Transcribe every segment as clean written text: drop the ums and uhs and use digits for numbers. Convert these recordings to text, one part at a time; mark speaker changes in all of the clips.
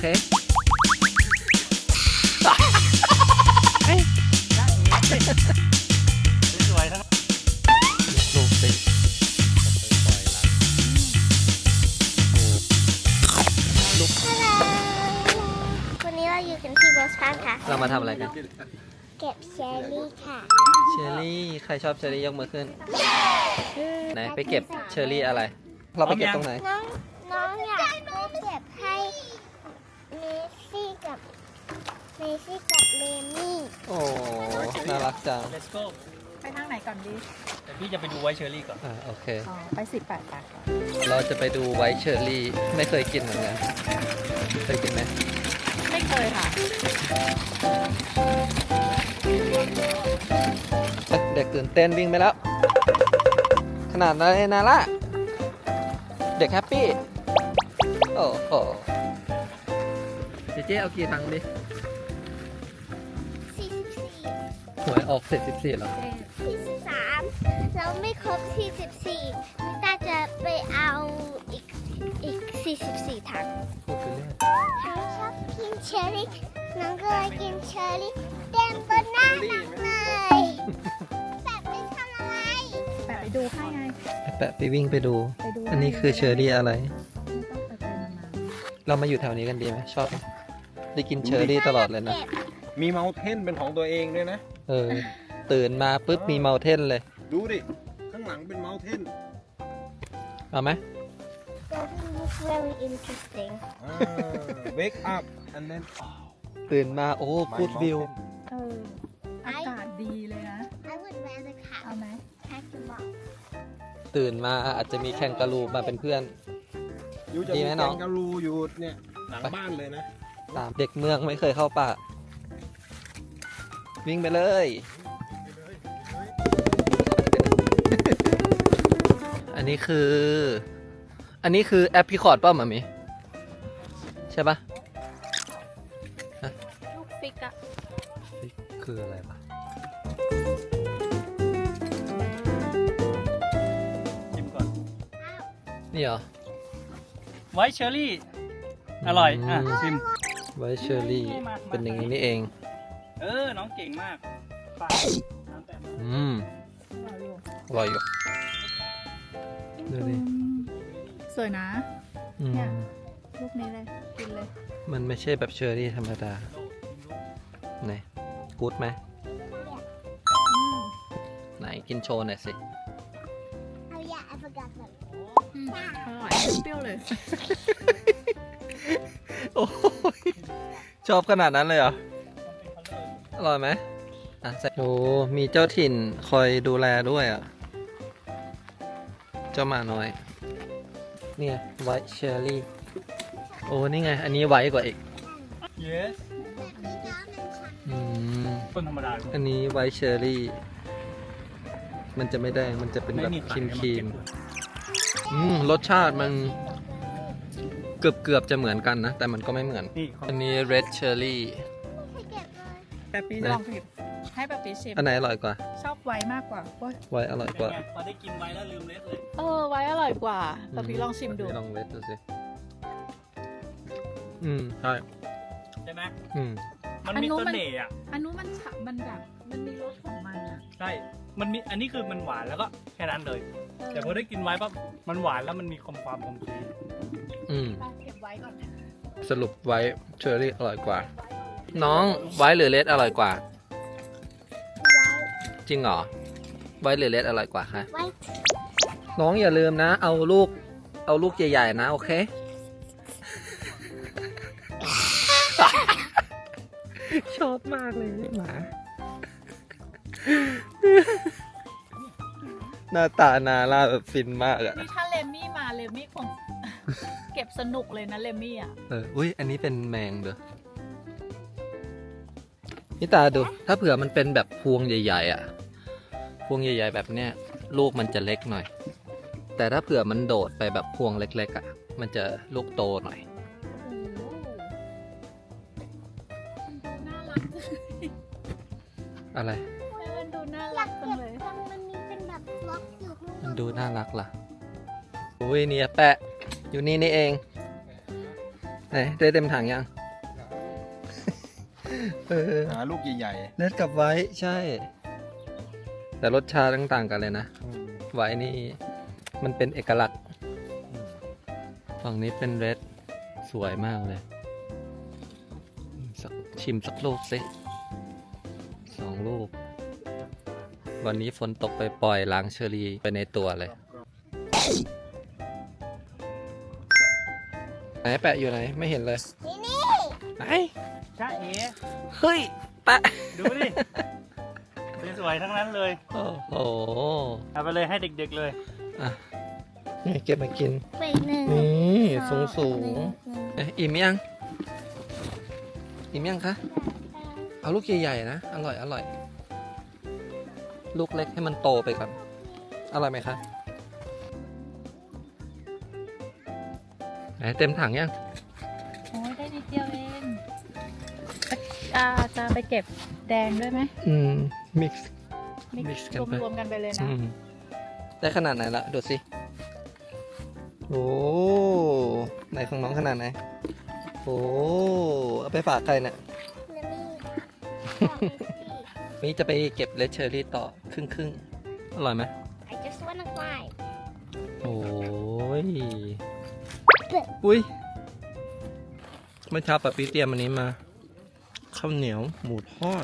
Speaker 1: เค
Speaker 2: สวยทั้ง
Speaker 1: ลูกสิ
Speaker 3: วันนี้เราอยู่กันที่บอสตันค่ะ
Speaker 1: เรามาทำอะไรกัน
Speaker 3: เก็บเชอร์รี่ค่ะ
Speaker 1: เชอร์รี่ ใครชอบเชอร์รี่ยกมือขึ้น ไหนไปเก็บเชอร์รี่อะไร เราไปเก็บตรงไหน
Speaker 3: น้องอยากไปเก็บให้เมซี่กับเลมี่
Speaker 1: โอ้ น่ารักจัง
Speaker 2: Let's go
Speaker 4: ไปทางไหนก่อนดี
Speaker 2: แต่พี่จะไปดูไวท์เชอร์รี่ก่อน
Speaker 1: โอเค
Speaker 4: อ๋อ ไป18ไปก่อน
Speaker 1: เราจะไปดูไวท์เชอร์รี่ ไม่เคยกินเหมือนกัน เคยกินไหม
Speaker 4: ไม่เคยค่ะ
Speaker 1: เด็กตื่นเต้นวิ่งไปแล้ว ขนาดนั้นเลยนาล่ะเด็กแฮปปี้ โอ้โหเจ๊เอากี่ถังดิ
Speaker 3: 44
Speaker 1: หวยออกเสร็จ14แล้ว
Speaker 3: 43แล้วไม่ครบ44นิต้าจะไปเอาอีก44ถัง
Speaker 1: พูดไปเรื่อย
Speaker 3: น้องชอบกินเชอร์รี่น้องก็เลยกินเชอร์รี่เต็มบนหน้าน้องเลยแบบไม่ทำอะไร
Speaker 4: แปะไปดูให้ไง
Speaker 1: แปะไปวิ่งไปดู
Speaker 4: ไปดู
Speaker 1: อันนี้คือเชอร์รี่อะไร
Speaker 4: ไม่ต้องไปนาน
Speaker 1: เรามาอยู่แถวนี้กันดีไหมชอบไหมได้กินเชอร์รี่ตลอดเลยนะ
Speaker 2: มีเมาเทนเป็นของตัวเองด้วยนะ
Speaker 1: ตื่นมาปุ๊บมีเมาเทนเลย
Speaker 2: ดูดิ ข้างหลังเป็นเมาเทน
Speaker 1: เอาไหม
Speaker 3: That looks very interesting
Speaker 2: เวกอัพ and then
Speaker 1: ตื่นมาโอ้กูดวิว
Speaker 4: อากาศดีเลยนะ
Speaker 3: I would rather
Speaker 4: เอาไหม
Speaker 3: catch the ball
Speaker 1: ตื่นมาอาจจะมีแคนการูมาเป็นเพื่อน
Speaker 2: อยู่จะ
Speaker 1: ดี
Speaker 2: มี
Speaker 1: ไหม
Speaker 2: แก
Speaker 1: น้อง
Speaker 2: งการูอยู่เนี่ยหลังบ้านเลยนะ
Speaker 1: ตามเด็กเมืองไม่เคยเข้าป่า วิ่งไปเลย อันนี้คือแอปพลิคอร์ดป่ะหมามิใช่ปะ
Speaker 4: ลูกฟิกอะ
Speaker 1: คืออะไรปะ
Speaker 2: ชิมก่อน
Speaker 1: นี่เหรอ
Speaker 2: ไวท์เชอร์รี่ อร่อย ชิม
Speaker 1: ไวท์เชอร์รี่ เป็นอย่างนี้นี่เอง
Speaker 2: น้องเก่งมากไปน้ำแตะมา
Speaker 1: อร่อยอยู่ดูดิ
Speaker 4: สวยนะ
Speaker 1: อืม
Speaker 4: เนี่ย ลูกนี้เลย กินเลย
Speaker 1: มันไม่ใช่แบบเชอร์รี่ธรรมดาไหนกูดไหม ไหนกินโชว์หน่อยสิ
Speaker 3: Oh yeah I forgot that
Speaker 4: อร่อยเปรี้ยวเลย
Speaker 1: โอ้ยชอบขนาดนั้นเลยเหรอ อร่อยไหมโอ้มีเจ้าถิ่นคอยดูแลด้วยอ่ะ เจ้าหมาน้อย เนี่ยไวท์เชอร์รี่ โอ้ นี่ไง อันนี้ไวท์กว่าอีก
Speaker 2: yes
Speaker 1: อืม
Speaker 2: ต้นธรรมดา
Speaker 1: อันนี้ไวท์เชอร์รี่ มันจะไม่แดง มันจะเป็นแบบครีมครีมรสชาติมันเกือบจะเหมือนกันนะ แต่มันก็ไม่เหมือน
Speaker 2: นี่
Speaker 1: อันนี้ red cherry
Speaker 3: ให้เก็บเลย
Speaker 4: แปะปีลองผิดให้แปะปีชิม
Speaker 1: อันไหนอร่อยกว่า
Speaker 4: ชอบไว้มากกว่าโอ๊ย
Speaker 1: ไวท์อร่อยกว่า
Speaker 2: พอได้กินไวท์แล้วลืมเล็ดเลย
Speaker 4: ไว้อร่อยกว่าแปะปีลองชิมดู
Speaker 1: ลอง red ดูสิ ใช่
Speaker 2: ใช่ไหม
Speaker 4: อัน
Speaker 2: มันมี
Speaker 4: นู้น
Speaker 2: เส
Speaker 4: มัน
Speaker 2: น่ห์อ่ะ
Speaker 4: อันนู้นมันฉะมันแบบมันมีรสของมันอะ
Speaker 2: ใช่ มันมี อันนี้คือมันหวานแล้วก็แค่นั้นเลย แต่พอได้กินไว้ปั๊บ มันหวานแล้วมันมีความคมครีม
Speaker 4: ไปเก็บไว้ก่อนนะ
Speaker 1: สรุปไวท์เชอร์รี่อร่อยกว่า น้องไวท์หรือเรดอร่อยกว่า จริงเหรอ ไวท์หรือเรดอร่อยกว่าคะ
Speaker 3: ไว้
Speaker 1: น้องอย่าลืมนะ เอาลูกใหญ่ๆนะ โอเค ชอบมากเลยหมา หน้าตานาล่าแบบฟินมากอะ
Speaker 4: นี่ถ้าเลมี่มาเลมี่คง เก็บสนุกเลยนะเลมี่อ่ะ
Speaker 1: อุ้ยอันนี้เป็นแมงเด้อนี่ตาดู ถ้าเผื่อมันเป็นแบบพวงใหญ่ๆอะพวงใหญ่ๆแบบเนี้ยลูกมันจะเล็กหน่อย แต่ถ้าเผื่อมันโดดไปแบบพวงเล็กๆอะมันจะลูกโตหน่อย
Speaker 4: น่ารักจัง
Speaker 1: อะไร
Speaker 4: มันดูน่า
Speaker 3: อยา
Speaker 4: รั
Speaker 3: ก
Speaker 4: กจั
Speaker 3: เก็
Speaker 4: ง
Speaker 3: บ
Speaker 4: เลย
Speaker 3: ตรงมันมีเป็นแบบบล็อกอยู่ข้างบ
Speaker 1: มัน
Speaker 3: น
Speaker 1: ดูน่ารักล่ะ อุ้ยเนี่ยแปะ อยู่นี่นี่เองไหนได้เต็มถังยัง
Speaker 5: หาลูกใหญ่
Speaker 1: เล็ดกับไว้ใช่ แต่รสชาติต่างกันเลยนะ
Speaker 5: ๆ
Speaker 1: ไว้นี่มันเป็นเอกลักษณ์ ฝั่งนี้เป็นเรดสวยมากเลยชิมสักลูกสิ2 ลูก วันนี้ฝนตกไปปล่อยล้างเชอรี่ไปในตัวเลย ไหนแปะอยู่ไหนไม่เห็นเลย
Speaker 3: นี่นี่
Speaker 1: ไหน
Speaker 2: จ้าเอ๋
Speaker 1: เฮ้ยแปะ
Speaker 2: ดูดิสวยๆทั้งนั้นเลย
Speaker 1: โอ้โห
Speaker 2: เอาไปเลยให้เด็กๆเลย
Speaker 1: อ่ะนี่เก็บมากิน
Speaker 3: ไปหนึ่ง
Speaker 1: นี่สูงสูง
Speaker 3: หนึ่
Speaker 1: เอ๊ะอิ่มยัง อิ่มยังคะ เอาลูกใหญ่ๆนะ อร่อยอร่อย ลูกเล็กให้มันโตไปก่อน อร่อยไหมคะไหนเต็มถังยัง
Speaker 4: โอ้ยได้นิดเดียวเองจะไปเก็บแดงด้วยไหม
Speaker 1: มิกซ์
Speaker 4: มิก
Speaker 1: mix
Speaker 4: ซ์
Speaker 1: กันไป
Speaker 4: รวมๆกันไปเลยนะ
Speaker 1: ได้ขนาดไหนละดูสิ โอ้ไหนของน้องขนาดไหน โอ้เอาไปฝากใครเนี่ย นี่จะไปเก็บเลดเชอรี่ต่อครึ่งอร่อยไหม
Speaker 3: I just wanna fly
Speaker 1: โอ้ย อุ้ยเมื่อเช้าปะปีเตรียมอันนี้มา ข้าวเหนียวหมูทอด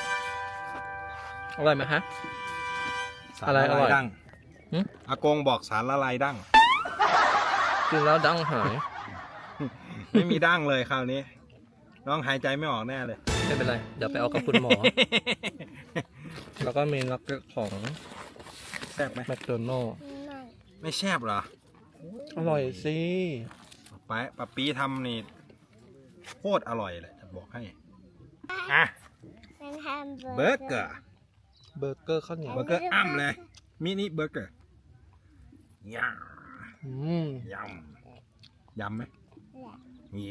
Speaker 1: อร่อยไหมฮะ
Speaker 5: สาร
Speaker 1: อะไร
Speaker 5: ละ
Speaker 1: อร่
Speaker 5: ลา
Speaker 1: อย
Speaker 5: ยดั้ง
Speaker 1: หึ
Speaker 5: อากงบอกสารละลายดั้ง
Speaker 1: กินแล้วดังหาย
Speaker 5: ไม่มีดั้งเลยคราวนี้ น้องหายใจไม่ออกแน่เลย
Speaker 1: ไม่เป็นไร เดี๋ยวไปเอากับคุณหมอ แล้วก็มีนักเก็ตของ
Speaker 5: แซ่บไหม
Speaker 1: แมคโดนัลล์
Speaker 5: ไม่แซ่บเหรอ
Speaker 1: อร่อยสิ
Speaker 5: ปะปีทำนี่โคตรอร่อยเลยจะบอกให้อ่ะ
Speaker 3: เป็นแฮมเบอร์
Speaker 5: เบอร์เกอร์
Speaker 1: เบอร์เกอร์ข้าวเหนียว
Speaker 5: เบอร์เกอร์อ้ำเลยมินิเบอร์เกอร์ย
Speaker 1: อืม
Speaker 5: ำยำไหมแย่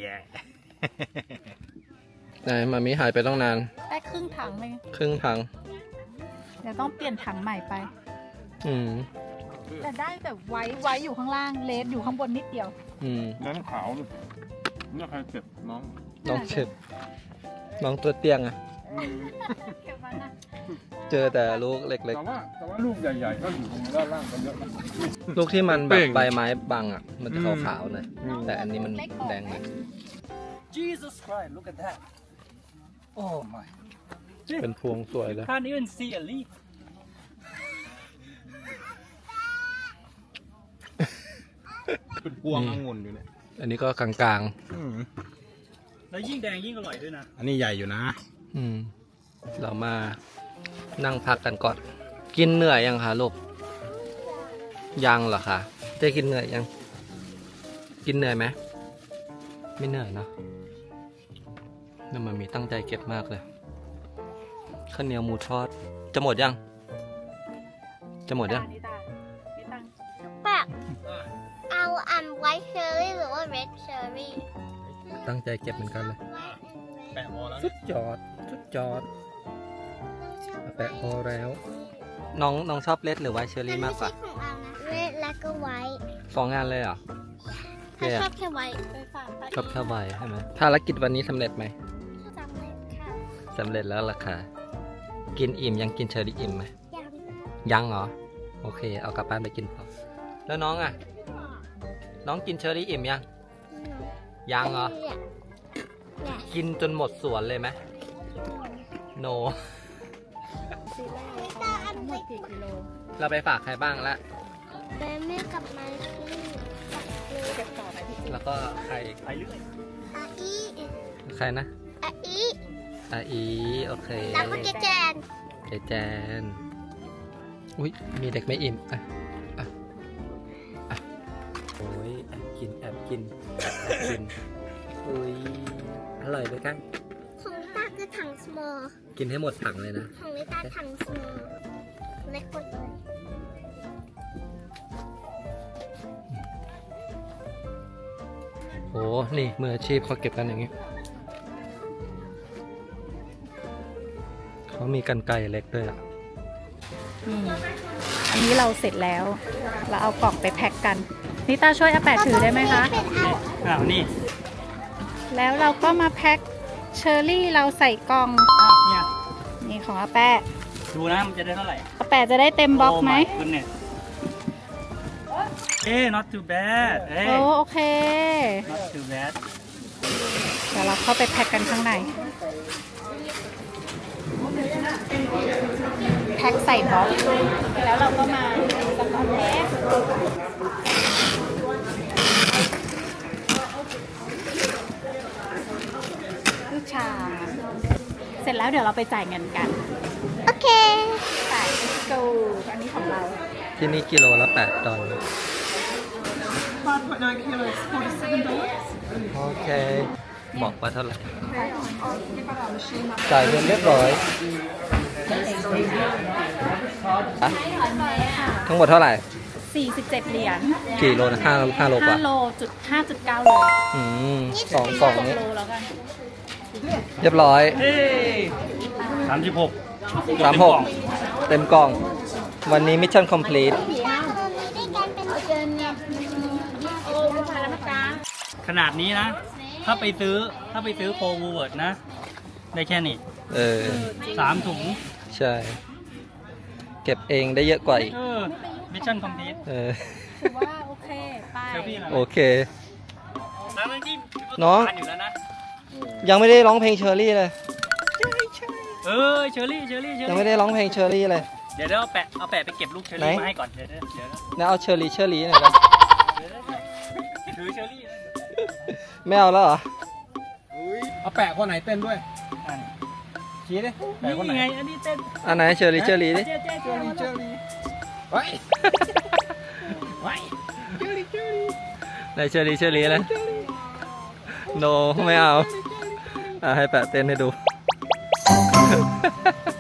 Speaker 1: ไหนมามีหายไปต้องนาน
Speaker 4: ได้ครึ่งถังเลย
Speaker 1: ครึ่งถัง
Speaker 4: เดี๋ยวต้องเปลี่ยนถังใหม่ไป
Speaker 1: อืม
Speaker 4: แต่ได้แต่ไว้อยู่ข้างล่างเลสอยู่ข้างบนนิดเดียว
Speaker 1: อืม
Speaker 5: นั่นขาวนี่ใครเก็บน้อง
Speaker 1: น้องเจ็บน้องตัวเตี้ยงอะ
Speaker 4: เก็บมานะ
Speaker 1: เจอแต่ลูกเล็ก
Speaker 5: แต่ว่าลูกใหญ่ๆก็อยู่ตรงด้านล่างกันเยอะนะ
Speaker 1: ๆ ลูกที่มันแบบใบไม้บังอะมันจะขาวๆหน่อย
Speaker 5: อืม
Speaker 1: แต่อันนี้มันแดงเลย
Speaker 2: Jesus Christ look at that Oh my
Speaker 1: เป็นพวงสวยเลย
Speaker 2: Can't even see a leaf
Speaker 5: เป็นพวงองุ่นอยู่เนี่ย
Speaker 1: อันนี้ก็กลาง
Speaker 2: แล้วยิ่งแดงยิ่งอร่อยด้วยนะ
Speaker 5: อันนี้ใหญ่อยู่นะ
Speaker 1: ๆ เรามานั่งพักกันก่อน กินเหนื่อยยังคะลูก ยังเหรอคะเจ๊กินเหนื่อยยัง กินเหนื่อยไหม ไม่เหนื่อยเนอะนี่มันมีตั้งใจเก็บมากเลย ข้าวเหนียวหมูทอด จะหมดยัง จะหมดยัง
Speaker 4: นี่ตานี่ตัง
Speaker 3: แบบเอาไวท์เชอร์รี่หรือว่าเรดเชอร์รี่
Speaker 1: ตั้งใจเก็บเหมือนกันเลย
Speaker 5: แปะพอแล้ว
Speaker 1: สุดยอด สุดยอด แปะพอแล้ว น้องชอบเลดหรือไวท์เชอรี่มากกว่า
Speaker 3: ของเรานะเรดแล้วก็ไวท์
Speaker 1: สองงานเลยเหรอ
Speaker 3: ถ้าชอบแค่ไวท์
Speaker 4: ไปฝากตา
Speaker 1: ชอบแค่ไวท์ใช่ไหมภารกิจวันนี้สำเร็จไหม
Speaker 3: จำเลยค่ะ
Speaker 1: สำเร็จแล้วล่ะค่ะ กินอิ่มยังกินเชอรี่อิ่มไหม
Speaker 3: ยัง
Speaker 1: ยังเหรอ โอเค เอากลับบ้านไปกินต่อ แล้วน้องอ่ะ น้องกินเชอรี่อิ่มยัง ยังเหรอ
Speaker 3: เนี่ย
Speaker 1: กินจนหมดสวนเลยไหมโน
Speaker 3: ตาอัน
Speaker 4: ทั้งหม
Speaker 3: เล็
Speaker 4: ด
Speaker 3: ก
Speaker 4: กี่กิโล
Speaker 1: เราไปฝากใครบ้างละ
Speaker 3: แม่แม่กับมาซี่
Speaker 4: เก็บต่อไหมพี่
Speaker 1: แล้วก็ใคร
Speaker 2: ไปเรื่อย
Speaker 3: อาอี
Speaker 1: ใครนะ
Speaker 3: อาอี
Speaker 1: อาอีโอเค
Speaker 3: แล้วก็เจแจน
Speaker 1: เจแจน อุ้ยมีเด็กไม่อิ่มอ่ะอ่ะอ่ะโอ้ยแอบกินแอบกินแอบกินอุ้ยอร่อยไหมกัน
Speaker 3: ของลิตาคือถัง small
Speaker 1: กินให้หมดถังเลยนะ
Speaker 3: ของลิตาถัง small เล็กกว่าเลย
Speaker 1: โอ้นี่มืออาชีพเขาเก็บกันอย่างนี้ เขามีกันไกรเล็กด้วยอ่ะ
Speaker 4: อันนี้เราเสร็จแล้ว เราเอากล่องไปแพ็คกันนิต้าช่วยอาแปะถือได้ไหมคะ
Speaker 3: เป็นเอา
Speaker 2: อ้าวนี่
Speaker 4: แล้วเราก็มาแพ็คเชอร์รี่เราใส่กล่อง
Speaker 2: เนี่ย
Speaker 4: นี่ของอาแปะ
Speaker 2: ดูนะมันจะได้เท่าไหร่
Speaker 4: อาแปะจะได้เต็มบล็อกไหม
Speaker 2: คุณเนี่ยnot too bad
Speaker 4: โอเค
Speaker 2: not too bad
Speaker 4: เดี๋ยวเราเข้าไปแพ็คกันข้างใน แพ็คใส่บล็อก แล้วเราก็มาสกอตเทปลูกชา เสร็จแล้วเดี๋ยวเราไปจ่ายเงินกัน
Speaker 3: โอเค
Speaker 4: จ่าย let's go อันนี้ของเรา
Speaker 1: ที่นี่กิโลละ$8 โอเค บอกว่าเท่าไหร่ จ่ายเงินเรียบร้อยอะทั้งหมดเท่าไหร่
Speaker 4: 47 เหรียญ
Speaker 1: กี่โลนะ5 โลกว่า
Speaker 4: 5 โลจุด 5.9 โล
Speaker 1: อืมสองกล่องนี้
Speaker 4: โลแล้วกัน
Speaker 1: เรียบร้อย
Speaker 2: 36
Speaker 1: 36 เต็มกล่อง วันนี้มิชชั่นคอมพลีท
Speaker 2: ขนาดนี้นะ ถ้าไปซื้อโควูเวิร์ดนะ ได้แค่นี้
Speaker 1: เออ
Speaker 2: 3 ถุง
Speaker 1: ใช่ เก็บเองได้เยอะกว่าอีก
Speaker 2: มิชชั่นคอมพลีท
Speaker 1: เออ
Speaker 4: ถือว่าโอเค ไป
Speaker 2: เซลฟี่หน่อย
Speaker 1: โอเค
Speaker 2: ทั้งที่
Speaker 1: น้อง
Speaker 2: ทานอยู่แล้วนะ
Speaker 1: ยังไม่ได้ร้องเพลงเชอรี่เลย
Speaker 2: เชอรี่
Speaker 1: ยังไม่ได้ร้องเพลงเชอรี่เลย
Speaker 2: เดี๋ยวเอาแปะไปเก็บลูกเชอรี่
Speaker 1: ไหน
Speaker 2: มาให้ก่อน เดี๋ยว
Speaker 1: แล้วเอาเชอรี่หน่อยนะ
Speaker 2: ถือเชอรี่นะ
Speaker 1: ไม่เอาแล้วเหรอ
Speaker 5: เอาแปะคนไหนเต้นด้วย
Speaker 2: อัน
Speaker 5: ชี้ดิแปะคนไหน
Speaker 2: นี่ไง อันนี้เต้น
Speaker 1: อันไหนเชอรี่ดิ
Speaker 2: เจ๊
Speaker 5: เฮ้ย
Speaker 1: ไหนเชอรี่เลยโนไม่เอาให้แปะเต้นให้ดู